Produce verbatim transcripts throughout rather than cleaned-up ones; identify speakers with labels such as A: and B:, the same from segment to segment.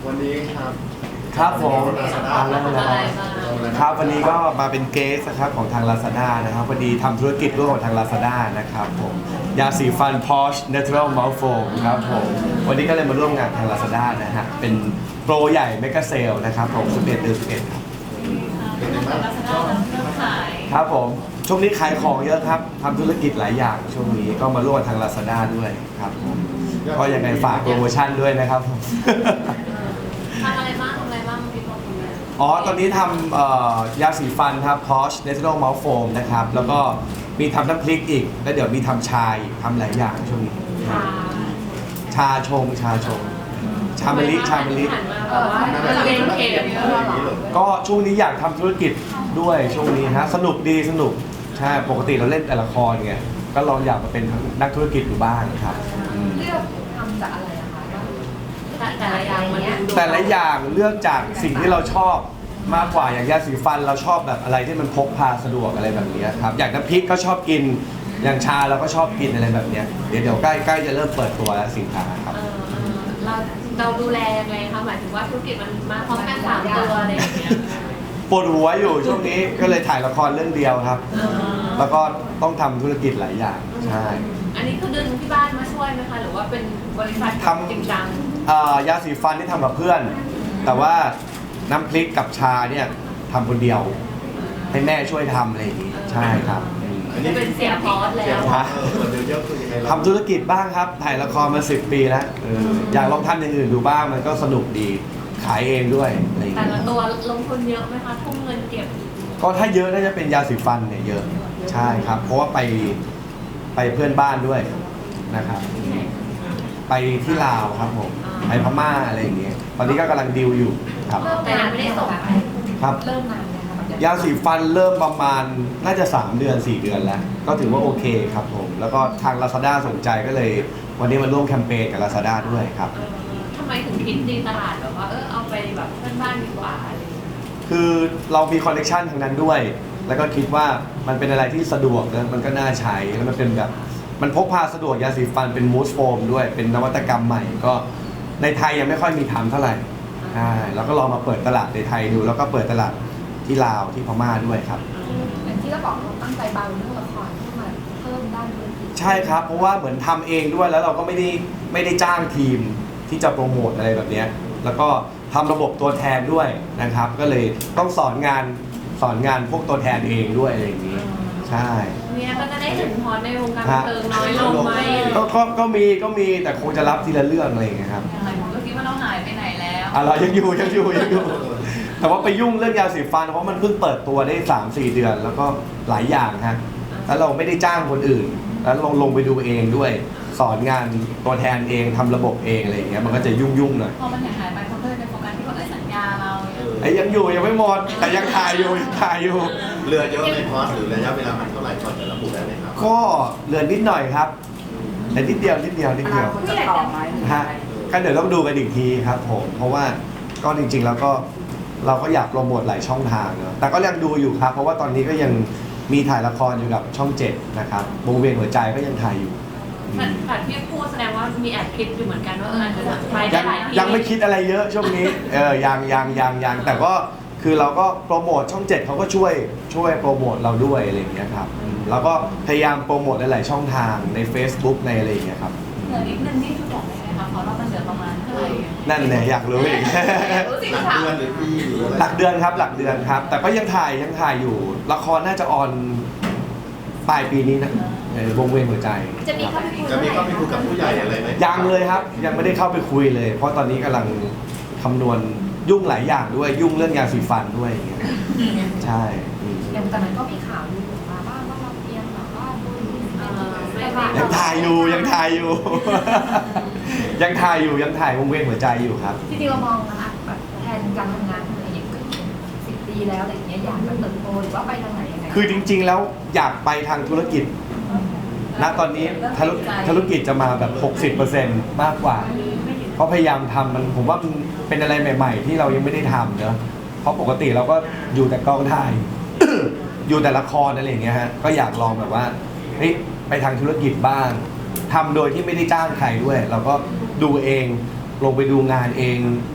A: วันนี้ครับ
B: ครับผม
A: อ่า
B: แล้วครับวันนี้ก็มาเป็นเกสนะครับของทาง Lazada นะครับพอดีทำธุรกิจร่วมกับทาง Lazada นะครับผมยาสีฟัน Posh Natural Mouth Foam ครับผมวันนี้ก็เลยมาร่วมงานทาง Lazada นะฮะเป็นโปรใหญ่ Mega Sale นะครับผมสิบเอ็ดเดือนสิบเอ็ดครับ
A: เป็นไงบ้าง
B: ครับผมช่วงนี้ขายของเยอะครับทำธุรกิจหลายอย่างช่วงนี้ก็มาร่วมกับทาง Lazada ด้วยครับผมก็ยังไงฝากโปรโมชั่นด้วยนะครับผม
C: ทำอะไรบ้างทำอะไรบ้างพี่บอกคุณแม่
B: อ๋อ ตอนนี้ทำเอ่อยาสีฟันครับ Posh Natural Mouth Foam นะครับ แล้วก็มีทำน้ำพริกอีก แล้วเดี๋ยวมีทำชาอีกทำหลายอย่างช่วงนี้
C: ค่ะ
B: ชาชง ชาชง ชามะลิ ชามะลิ
C: หันมาแบบว่าเรียนเข็มเยอะหรอ
B: ก็ช่วงนี้อยากทำธุรกิจด้วยช่วงนี้ฮะ สนุกดีสนุก ใช่ ปกติเราเล่นแต่ละครไง ก็ลองอยากมาเป็นนักธุรกิจอยู่บ้างครับอืม
D: เลือกทำจากอะไรอะคะ
C: แต่แต่ละอย่างมันดู
B: แต่ละอย่างเลือกจากสิ่งที่เราชอบมากกว่าอย่างยาสีฟันเราชอบแบบอะไรที่มันพกพาสะดวกอะไรแบบนี้ครับอย่างน้ำพริกก็ชอบกินอย่างชาเราก็ชอบกินอะไรแบบนี้เดี๋ยวเดี๋ยวใกล้ใกล้จะเริ่มเปิดตัวแล้วสินค้าครับ
C: เออเราเราดูแลยังไงคะหมายถึงว่าธุรกิจมันมาพร้อมกันสามตัวอะไรอย่างเงี้ย
B: ปวดหัวอยู่ช่วงนี้ก็เลยถ่ายละครเรื่องเดียวครับ
C: เออ
B: แล้วก็ต้องทำธุรกิจหลายอย่างใช่
C: อันนี้คือดึงที่บ้านมาช่วยไหมคะหรือว่าเป็นบริษัทจริงจัง
B: เอ่อยาสีฟันที่ทำกับเพื่อน แต่ว่าน้ำพริกกับชาเนี่ยทำคนเดียว ให้แม่ช่วยทำอะไรอย่างนี้ใช่ครับ
A: อันนี้
C: เป็นเสียพอส
A: เสีย
C: แล้ว
A: งเออเดี๋ยวเยอะคือยังไงเรา
B: ทำธุรกิจบ้างครับถ่ายละครมาสิบปีแล้วเอออยากลองทำอย่างอื่นดูบ้างมันก็สนุกดีขายเองด้วยอะไรอย่าง
C: แต่
B: เงี้ย
C: ละตัวลงทุนเยอะไหมคะทุ่มเงินเก็บ
B: ก็ถ้าเยอะน่าจะเป็นยาสีฟันเนี่ยเยอะใช่ครับ เพราะว่าไปไปเพื่อนบ้านด้วยนะครับ ไปที่ลาวครับผมไปพม่าอะไรอย่างเงี้ยตอนนี้ก็กำลังดิวอยู่ครับ
C: แต่ยังไม่ได้ส่ง
B: ครับ
D: เริ่มนานเลยค่ะ
B: ยาสีฟันเริ่มประมาณน่าจะสามเดือนสี่เดือนแล้ว ก็ถือว่าโอเคครับผมแล้วก็ทาง Lazada สนใจก็เลย วันนี้มาร่วมแคมเปญกับ Lazada ด้วยครับ
C: เออทำไมถึงคิดดีตลาดแบบว่าเออเอาไปแบบเพื่อนบ้านดีกว่าอะไรอย่างเงี้ย
B: คือเรามีคอนเนคชันทางนั้นด้วย แล้วก็คิดว่ามันเป็นอะไรที่สะดวกนะมันก็น่าใช้ แล้วมันเป็นแบบ มันพกพาสะดวกยาสีฟันเป็นมูสโฟมด้วย เป็นนวัตกรรมใหม่ ก็ในไทยยังไม่ค่อยมีทำเท่าไหร่ใช่แล้วก็ลองมาเปิดตลาดในไทยดู แล้วก็เปิดตลาดที่ลาวที่พม่าด้วยครับ
D: อย่างที่เราบอกเราตั้งใจเบาเรื่องละครที่มาเพิ่มด้านธุรกิจ
B: ใช่ครับ เพราะว่าเหมือนทำเองด้วย แล้วเราก็ไม่ได้ไม่ได้จ้างทีมที่จะโปรโมทอะไรแบบเนี้ยแล้วก็ทำระบบตัวแทนด้วยนะครับ ก็เลยต้องสอนงานสอนงานพวกตัวแทนเองด้วยอะไรอย่างนี้ ใช่
C: เนี่ยก็จะได้เห็นพอในวงการบันเทิงน้อยลงไหม
B: ก็ก็ก็มีก็มีแต่คงจะรับทีละเรื่องอะไรอย่างเงี้ยครับ
C: หลายคนก็คิดว่าเราหายไปไหนแล้ว
B: อ่ะเรายังอยู่ยังอยู่ยังอยู่ แต่ว่าไปยุ่งเรื่องยาสีฟันเพราะมันเพิ่งเปิดตัวได้สามสี่เดือน แล้วก็หลายอย่างฮะแล้วเราไม่ได้จ้างคนอื่น แล้วลงลงไปดูเองด้วย สอนงานตัวแทนเองทำระบบเองอะไรอย่างเงี้ยมันก็จะยุ่งยุ่งๆหน่อย
C: พอมันหายไปคนก็เลยไปโฟกัสที่ว่าเอ้ยสัญญาเราเนี่ย
B: ไอ้ยังอยู่ยังไม่หมดแต่ยังถ่ายอยู่ยังถ่ายอยู่
A: เรือเยอะในคอร์สหรือระยะเวลามันเท่าไหร่ก่อนจะระบุได้ไหมครับ
B: ก็เหลือนิดหน่อยครับแต่นิดเดียวนิดเดียวนิดเดียว
D: จะต่อไหม
B: ฮะก็เดี๋ยวต้องดูกันอีกทีครับผมเพราะว่าก็จริงๆแล้วก็เราก็อยากโปรโมทหลายช่องทางเนอะแต่ก็ยังดูอยู่ครับ เพราะว่าตอนนี้ก็ยังมีถ่ายละครอยู่กับช่องเจ็ดนะครับวงเวียนหัวใจก็ยังถ่ายอยู่อืม
C: แต่ที่พูดแสดงว่ามีแอบคิดอยู่เหมือนกันว่าเอออาจจะไปได้
B: ยัง
C: หลายที่
B: ยังไม่คิดอะไรเยอะช่วงนี้เออยังยังยังยังแต่ก็คือเราก็โปรโมทช่องเจ็ดเขาก็ช่วยช่วยโปรโมทเราด้วยอะไรอย่างเงี้ยครับอืมแล้วก็พยายามโปรโมทหลายๆช่องทางใน Facebook ในอะไรอย่างเงี้ยครับ
C: เหลือนิดนึงที่คือบอกได้ไหมคะเพราะว่ามันเหลือประมาณเท่าไหร่
B: นั่นเนี่ยอยากรู้อีก
C: รู้สิ
A: หลัก
C: ค่ะ
A: เดือนหรือปีหรืออะไร
B: หลักเดือนครับหลักเดือนครับ แต่ก็ยังถ่ายยังถ่ายอยู่ ละครน่าจะออนปลายปีนี้นะเออวงเวียนหัวใจ
D: จะมีเข้าไปคุย
A: จะมีเข้าไปคุยกับผู้ใหญ่อะไรไหม
B: ยังเลยครับ ยังไม่ได้เข้าไปคุยเลย เพราะตอนนี้กำลังคำนวณยุ่งหลายอย่างด้วยยุ่งเรื่องยาสีฟันด้วยอย่างเงี้ยใช่อืม
D: อย่างตอนนั้นก็มีข่าวลือมาบ้างว่าเราเตรียมแบบว่าดู
C: เออไม่
D: แต่
C: ว่า
D: ว่า
B: ยังถ่ายอยู่ยังถ่ายอยู่ ยังถ่ายอยู่ยังถ่ายวงเวียนหัวใจอยู่ครับ
D: จริงๆเรามองนะคะแบบแทนการทำงานอะไรอย่างเงี้ยสิบปีแล้วอะไรอย่างเงี้ยอยากจะเติบโตหรือว่าไปทางไหนยังไง
B: คือจริง ๆ แล้วอยากไปทางธุรกิจณตอนนี้ธุรธุรกิจจะมาแบบ หกสิบเปอร์เซ็นต์ มากกว่า เพราะพยายามทำมันผมว่ามันเป็นอะไรใหม่ ๆ ที่เรายังไม่ได้ทำเนอะเพราะปกติเราก็อยู่แต่กองถ่าย อยู่แต่ละครอะไรอย่างเงี้ยฮะก็อยากลองแบบว่าเฮ้ยไปทางธุรกิจบ้างทำโดยที่ไม่ได้จ้างใครด้วย เราก็ดูเองลงไปดูงานเอง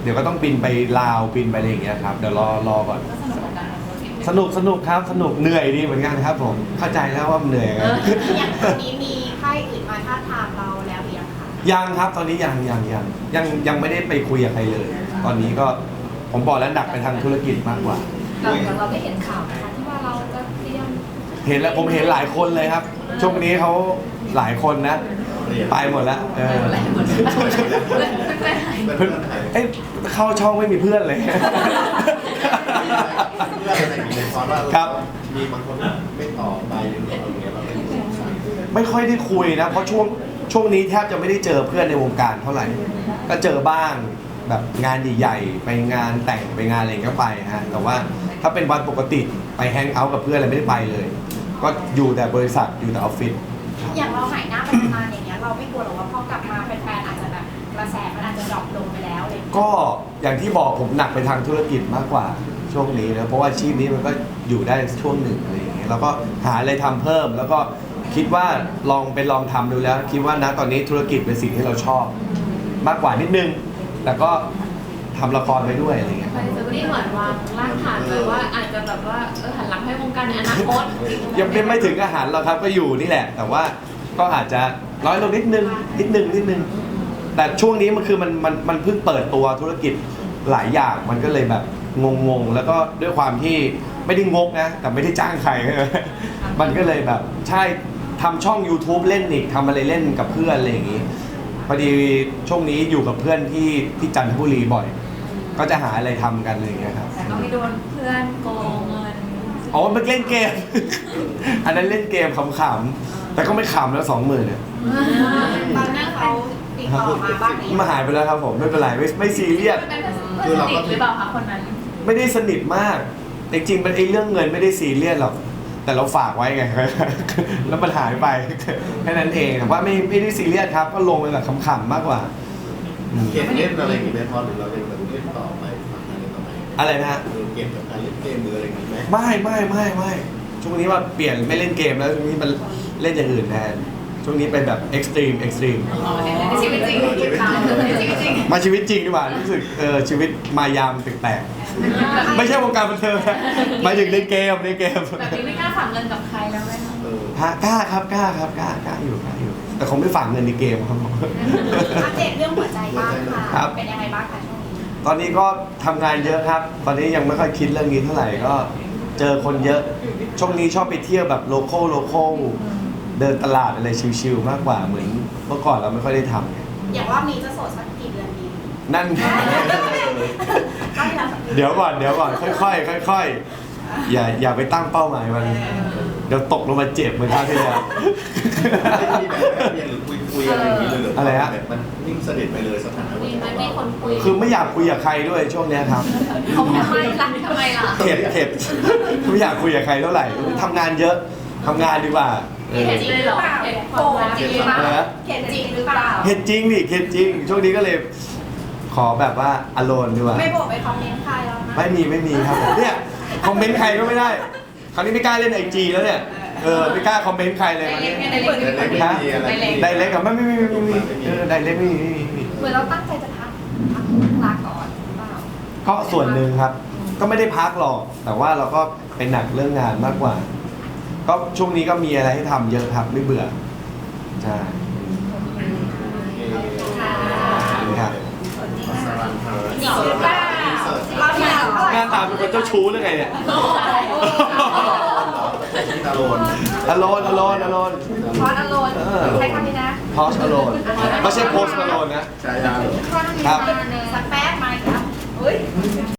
B: เดี๋ยวก็ต้องบินไปลาวบินไปอะไรอย่างเงี้ยครับเดี๋ยวรอรอก่อน
C: ก็สนุกกับการทำธุรกิจ
B: สนุกสนุกครับสนุกเหนื่อยดีเหมือนกันครับผมเข้าใจแล้วว่ามันเหนื่อยไง
E: อย่างตอนนี้มีค่ายอื่นมาท้าทามเราแล้วหรือยังคะ
B: ยังครับตอนนี้ยังยังยังยังยังไม่ได้ไปคุยกับใครเลย ตอนนี้ก็ผมบอกแล้วหนักไปทางธุรกิจมากกว่า
D: เราเราได้เห็นข่าวนะคะที่ว่าเราจะเตรียม
B: เห็นแล้วผมเห็นหลายคนเลยครับ ช่วงนี้เขาหลายคนนะ ไปหมดแล้วเออ
C: อะไรหมดเพื่อนๆหาย
A: เพื่อนๆไทย
B: เอ้ยเข้าช่องไม่มีเพื่อนเลย
A: เพื่อนอะไรอย่างเงี้ยเพราะว่า
B: ครับ
A: มีบางคนไม่ตอบไปหรืออะไรอย่างเงี้ยเราไม่สงสัย
B: ไม่ค่อยได้คุยนะเพราะช่วงช่วงนี้แทบจะไม่ได้เจอเพื่อนในวงการเท่าไหร่ ก็เจอบ้างแบบงานใหญ่ๆไปงานแต่งไปงานอะไรก็ไปฮะแต่ว่าถ้าเป็นวันปกติไปแฮงเอาท์กับเพื่อนอะไรไม่ได้ไปเลย ก็อยู่แต่บริษัทอยู่แต่ออฟฟิศ
E: อย่างเราหายหน้าไปนานๆอย่างเงี้ยเราไม่กลัวหรอกว่าพอกลับมาแฟนๆอาจจะแบบกระแสมันอาจจะดรอปลงไปแล้วอะไรอย่างเลย
B: ก็อย่างที่บอกผมหนักไปทางธุรกิจมากกว่าช่วงนี้นะเพราะว่าอาชีพนี้มันก็อยู่ได้ช่วงหนึ่งอะไรอย่างเงี้ยแล้วก็หาอะไรทำเพิ่ม แล้วก็คิดว่าลองไปลองทำดูแล้ว คิดว่านะตอนนี้ธุรกิจเป็นสิ่งที่เราชอบ มากกว่านิดนึงแต่ก็ทำละครไปด้วยอะไรอย่างเงี้ย
C: ไปเซอร์นี่เหมือนวางรากฐานไว้ว่าอาจจะแบบว่าเออหันหลังให้วงการในอนาคต
B: ยังไม่ไม่ถึงอาหารหรอกครับก็อยู่นี่แหละ แต่ว่าก็อาจจะน้อยลงนิดนึงนิดนึงนิดนึงแต่ช่วงนี้มันคือมันมันมันเพิ่งเปิดตัวธุรกิจหลายอย่างมันก็เลยแบบงงๆแล้วก็ด้วยความที่ไม่ได้งกนะแต่ไม่ได้จ้างใคร มันก็เลยแบบใช่ทำช่อง YouTube เล่นอีกทำอะไรเล่นกับเพื่อนอะไรอย่างงี้พอดีช่วงนี้อยู่กับเพื่อนที่ที่จันทบุรีบ่อย ก็จะหาอะไรทำกันอะไรอย่างเงี้ยครับ
C: แต่ก็ไม่โดนเพื่อนโกงเงิน
B: อ๋อมันเล่นเกม อันนั้นเล่นเกมขำๆ แต่ก็ไม่ขำแล้วสองหมื่นเนี่ย
E: ตอนนั้นเขาติดต่อมาบ้างหรือยัง
B: มาหายไปแล้วครับผมไม่เป็นไรไม่ไม่ซีเรียส
C: เป็นเพื่อนสนิทหรือเปล่าคะคนนั้น
B: ไม่ได้สนิทมาก จริงๆมันไอ้เรื่องเงินไม่ได้ซีเรียสหรอก แต่เราฝากไว้ไง แล้วมันหายไป แค่นั้นเองแต่ว่าไม่ไม่ได้ซีเรียสครับ ก็ลงไปแบบขำๆมากกว่าอืม
A: เกมเล่นอะไรอย่างเงี้ยพอหรือเราเล่นแบบเล่นต่อไปฝั่งนั้นเล่นต่อไป
B: อะไรนะฮะ
A: เออเกมกับการเล่นเกมหรืออะไรอย่างงี้ไหม
B: ไม่ไม่ไม่ไม่ช่วงนี้ว่าเปลี่ยนไม่เล่นเกมแล้วช่วงนี้มันเล่นอย่างอื่นแทน ช่วงนี้เป็นแบบเอ็กซ์ตรีมเอ็กซ์ตรีม
C: ในชีวิตจริงในชีวิตจริง
B: มาชีวิตจริงดีกว่ารู้สึกเออชีวิตมายามแปลกๆไม่ใช่วงการบันเทิงนะหมายถึงในเกมในเกม
C: แบบนี้ไม่กล้าฝากเงินกับใครแล้วไหมคะ
A: เออ
B: ฮะกล้าครับกล้าครับกล้ากล้าอยู่กล้าอยู่ แต่คงไม่ฝากเงินในเกมครับผม
E: อัปเดตเรื่องหัวใจบ้างค่ะ
B: ครับ
E: เป็นยังไงบ้างคะช่วงนี้
B: ตอนนี้ก็ทำงานเยอะครับ ตอนนี้ยังไม่ค่อยคิดเรื่องนี้เท่าไหร่ก็เจอคนเยอะ ช่วงนี้ชอบไปเที่ยวแบบโลโก้โลโก้เดินตลาดอะไรชิลๆมากกว่าเหมือนเมื่อก่อนเราไม่ค่อยได้ทำไง
E: อย่างรอบนี้จะโสดสักกี่เดือนดี
B: นั่น
E: ก็ที่เราสัก
B: เดี๋ยวก่อนเดี๋ยวก่อนค่อยๆค่อยๆอย่าอย่าไปตั้งเป้าหมายมันเดี๋ยวตกลงมาเจ็บเหมือนคราวที่แล้ว
A: ไม่มีแบบแค่เพียงหรือคุยคุยอะไรอย่างงี้เลยเหรอ
B: อะไรฮะ
A: แบบมันนิ่งสนิทไปเลยสถานะ
C: มีไหมมีคนคุย
B: คือไม่อยากคุยกับใครด้วยช่วงเนี้ยครับ
C: เขาทำไมล่ะทำไมล่ะ
B: เข็ดเข็ดไม่อยากคุยกับใครเท่าไหร่ทำงานเยอะทำงานดีกว่าเออ
C: เห็นจริงเลยเหรอเห็นความรัก
E: จริงหรือเปล่าเห็นจริงหรือเปล่า
B: เข็ดจริงดิเข็ดจริง ช่วงนี้ก็เลย ขอแบบว่าอโลนดีกว่า
E: ไม่บอกไปคอมเมนต์ใครแล้วนะ
B: ไม่มีไม่มีครับผมเนี่ยคอมเมนต์ใครก็ไม่ได้ คราวนี้ไม่กล้าเล่นไอจีแล้วเนี่ยเออไม่กล้าคอมเมนต์ใครเลยคราวนี้
C: ในเล็ก
A: แต่ไม่มีอะไร
B: ไดเล็กกับไม่ไม่ไม่ไม่ไม่เออไดเล็กไม่มีไม่มีไม่มี
D: เหมือนเราตั้งใจจะพักพักลาก่อนหรือเปล่า
B: ก็ส่วนหนึ่งครับ ก็ไม่ได้พักหรอก แต่ว่าเราก็เป็นหนักเรื่องงานมากกว่า ก็ช่วงนี้ก็มีอะไรให้ทำเยอะครับไม่เบื่อใช่
E: ค่ะ
B: ครับ
A: สรันเธอ
E: จริงหรือเปล่าเราที่เราเท่าไห
B: ห
E: ร่
B: น้าตาเป็นคนเจ้าชู้หรือไงเนี่ย
A: ตาโลน
B: อโลนอโลนอโลน
D: พอสอโลน
B: เออ
D: ใช้คำนี้นะ
B: พอชอโลนไม่ใช่โพสอโลนนะ
A: ชายา
D: พอสอโลน
B: ครับ
D: มาเลย
E: สักแป๊บไหมครับ
D: เฮ้ย